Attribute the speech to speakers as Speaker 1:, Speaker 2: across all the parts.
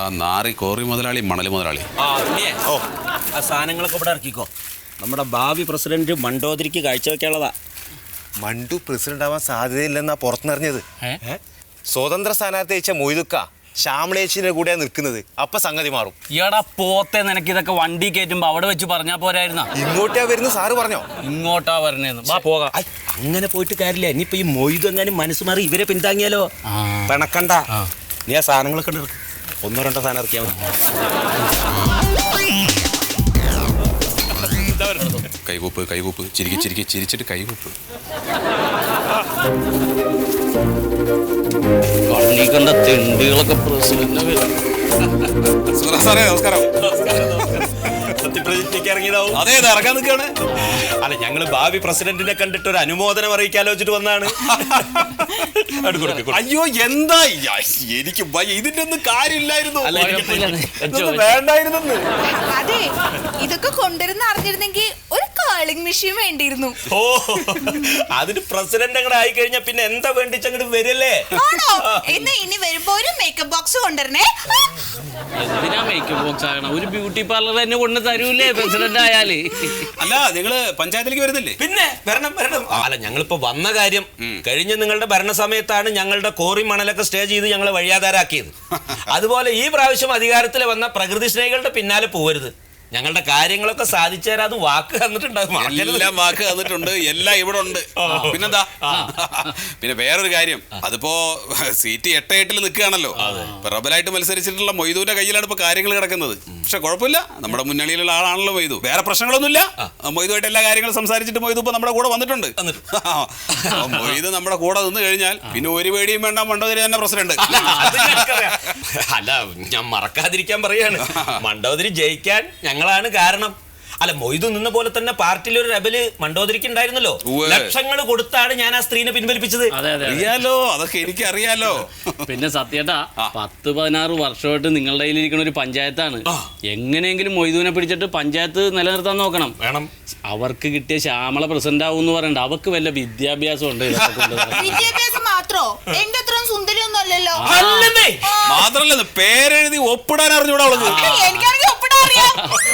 Speaker 1: നാറി കോറി മുതലാളി മണൽ മുതലാളി.
Speaker 2: ആ സാധനങ്ങളൊക്കെ ഇവിടെ ഇറക്കിക്കോ. നമ്മുടെ ഭാവി പ്രസിഡന്റ് മണ്ടോദരിക്ക് കാഴ്ചവെക്കാനുള്ളതാ.
Speaker 3: മണ്ടു പ്രസിഡന്റ് ആവാൻ സാധ്യതയില്ലെന്നാ പുറത്തുനിറിഞ്ഞത്. സ്വതന്ത്ര സ്ഥാനാർത്ഥി അയച്ച മൊയ്തുക്ക ശ്യാമളേച്ചിന്റെ കൂടെ നിൽക്കുന്നത്. അപ്പൊ സംഗതി മാറും.
Speaker 4: ഈടാ പോത്തെ, നിനക്ക് ഇതൊക്കെ വണ്ടി കയറ്റുമ്പോ അവിടെ വെച്ച് പറഞ്ഞാ പോരായിരുന്ന?
Speaker 3: ഇങ്ങോട്ടാ വരുന്ന സാറ് പറഞ്ഞോ?
Speaker 4: ഇങ്ങോട്ടാ വരണേന്ന്. വാ പോകാം.
Speaker 2: അങ്ങനെ പോയിട്ട് കാര്യമില്ല. ഇനിയിപ്പോ ഈ മൊയ്തു എങ്ങാനും മനസ്സ് മാറി ഇവരെ പിന്താങ്ങിയാലോ? പിണക്കണ്ട. നീ ആ സാധനങ്ങളൊക്കെ ഉണ്ട്. 1-2 സാധനം ഇറക്കിയാൽ മതി.
Speaker 1: കൈകൂപ്പ് കൈകൂപ്പ്, ചിരിച്ചിട്ട് കൈകൂപ്പ്.
Speaker 4: കണ്ണീ കണ്ട തെണ്ടികളൊക്കെ പ്രസിഡന്റ്.
Speaker 1: സാറേ നമസ്കാരം.
Speaker 2: സത്യപ്രതിജ്ഞയ്ക്ക് ഇറങ്ങിയതാവും.
Speaker 1: അതെ, ഇറങ്ങാൻ നിൽക്കുകയാണ്.
Speaker 2: അല്ല, ഞങ്ങള് ഭാവി പ്രസിഡന്റിനെ കണ്ടിട്ട് ഒരു അനുമോദനം അറിയിക്കാലോചിച്ചിട്ട് വന്നാണ്.
Speaker 1: അയ്യോ എന്താ എനിക്ക് ഇതിന്റെ ഒന്നും കാര്യമില്ലായിരുന്നു.
Speaker 2: വേണ്ടായിരുന്നു.
Speaker 5: അതെ, ഇതൊക്കെ കൊണ്ടുവരുന്ന അറിഞ്ഞിരുന്നെങ്കിൽ ഒരു കാളിംഗ് മെഷീൻ വേണ്ടിയിരുന്നു.
Speaker 2: ഓ, അതിന് പ്രസിഡന്റ് അങ്ങോട്ട് ആയി കഴിഞ്ഞാ പിന്നെ എന്താ വേണ്ടിച്ചങ്ങോട്ട് വരല്ലേ?
Speaker 5: ആണോ? എന്നാ ഇനി വരുമ്പോ ഒരു മേക്കപ്പ് ബോക്സ് കൊണ്ടുവരണേ.
Speaker 4: എന്തിനാ മേക്കപ്പ് ബോക്സ് ആകണം? ഒരു ബ്യൂട്ടി പാർലർ തന്നെ കൊണ്ട് തരൂലേ പ്രസിഡന്റ് ആയാല്?
Speaker 1: അല്ല, നിങ്ങള് പഞ്ചായത്തിലേക്ക് വരുന്നില്ലേ?
Speaker 2: പിന്നെ വരണം. അല്ല, ഞങ്ങളിപ്പോ വന്ന കാര്യം കഴിഞ്ഞ നിങ്ങളുടെ ഭരണസമയത്താണ് ഞങ്ങളുടെ കോറി മണലൊക്കെ സ്റ്റേ ചെയ്ത് ഞങ്ങളെ വഴിയാധാരാക്കിയത്. അതുപോലെ ഈ പ്രാവശ്യം അധികാരത്തിൽ വന്ന പ്രകൃതി സ്നേഹികളുടെ പിന്നാലെ പോവരുത്. ഞങ്ങളുടെ കാര്യങ്ങളൊക്കെ സാധിച്ചു തരാതെ വാക്ക് തന്നിട്ടുണ്ടാകും.
Speaker 1: എല്ലാം വാക്ക് തന്നിട്ടുണ്ട്. എല്ലാം ഇവിടെ ഉണ്ട്. പിന്നെന്താ? പിന്നെ വേറൊരു കാര്യം, അതിപ്പോ സീറ്റ് 8-8 നിൽക്കുകയാണല്ലോ. റബലായിട്ട് മത്സരിച്ചിട്ടുള്ള മൊയ്തുവിന്റെ കയ്യിലാണ് ഇപ്പൊ കാര്യങ്ങൾ കിടക്കുന്നത്. പക്ഷെ കുഴപ്പമില്ല, നമ്മുടെ മുന്നണിയിലുള്ള ആളാണല്ലോ മൊയ്തു. വേറെ പ്രശ്നങ്ങളൊന്നുമില്ല. മൊയ്തുമായിട്ട് എല്ലാ കാര്യങ്ങളും സംസാരിച്ചിട്ട് മൊയ്തു ഇപ്പൊ നമ്മുടെ കൂടെ വന്നിട്ടുണ്ട്. മൊയ്തു നമ്മുടെ കൂടെ നിന്ന് കഴിഞ്ഞാൽ പിന്നെ ഒരു പേടിയും വേണ്ട, മണ്ടോദരി തന്നെ പ്രസിഡന്റ്.
Speaker 2: അല്ല, ഞാൻ മറക്കാതിരിക്കാൻ പറയാണ്, മണ്ടോദരി ജയിക്കാൻ ഞങ്ങളാണ് കാരണം. അല്ല, മൊയ്തു നിന്ന പോലെ തന്നെ പാർട്ടിയിൽ ഒരു റബല് മണ്ടോദരിക്ക് ഉണ്ടായിരുന്നല്ലോ. ലക്ഷങ്ങൾ കൊടുത്താണ് ഞാൻ ആ സ്ത്രീനെ പിൻവലിപ്പിച്ചത്.
Speaker 1: അറിയാലോ, അതൊക്കെ എനിക്ക് അറിയാലോ.
Speaker 4: പിന്നെ സത്യേട്ടാ, 10-16 വർഷമായിട്ട് നിങ്ങളുടെ കയ്യിലിരിക്കുന്ന ഒരു പഞ്ചായത്താണ്. എങ്ങനെയെങ്കിലും മൊയ്തുവിനെ പിടിച്ചിട്ട് പഞ്ചായത്ത് നിലനിർത്താൻ നോക്കണം.
Speaker 2: വേണം.
Speaker 4: അവർക്ക് കിട്ടിയ ശ്യാമള പ്രസിഡന്റ് ആവും എന്ന് പറയണ്ട. അവർക്ക് വല്ല വിദ്യാഭ്യാസം ഉണ്ട്?
Speaker 5: വിദ്യാഭ്യാസം മാത്രോ? എന്റെ അത്രയും സുന്ദരിയൊന്നും അല്ലല്ലോ.
Speaker 1: മാത്രല്ല, പേരെഴുതി ഒപ്പിടാൻ അറിഞ്ഞൂടാ.
Speaker 5: എനിക്കാണെങ്കിൽ ഒപ്പിടാൻ അറിയാം.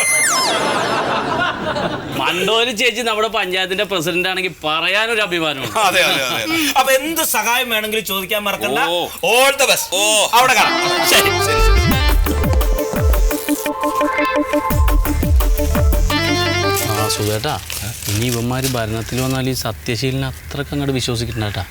Speaker 4: മണ്ടോദരി ചേച്ചി നമ്മുടെ പഞ്ചായത്തിന്റെ പ്രസിഡന്റ് ആണെങ്കിൽ പറയാനൊരു അഭിമാനമാണ്.
Speaker 1: അതെ.
Speaker 2: അപ്പൊ എന്ത് സഹായം വേണമെങ്കിലും ചോദിക്കാൻ മറക്കണ്ട. All the best. അവിടെ കാണാം. ശരി.
Speaker 4: സുഖേട്ടാ, ഇനി ഇവന്മാര് ഭരണത്തിൽ വന്നാൽ ഈ സത്യശീലനെ അത്രക്ക് അങ്ങോട്ട് വിശ്വസിക്കണ്ടാ.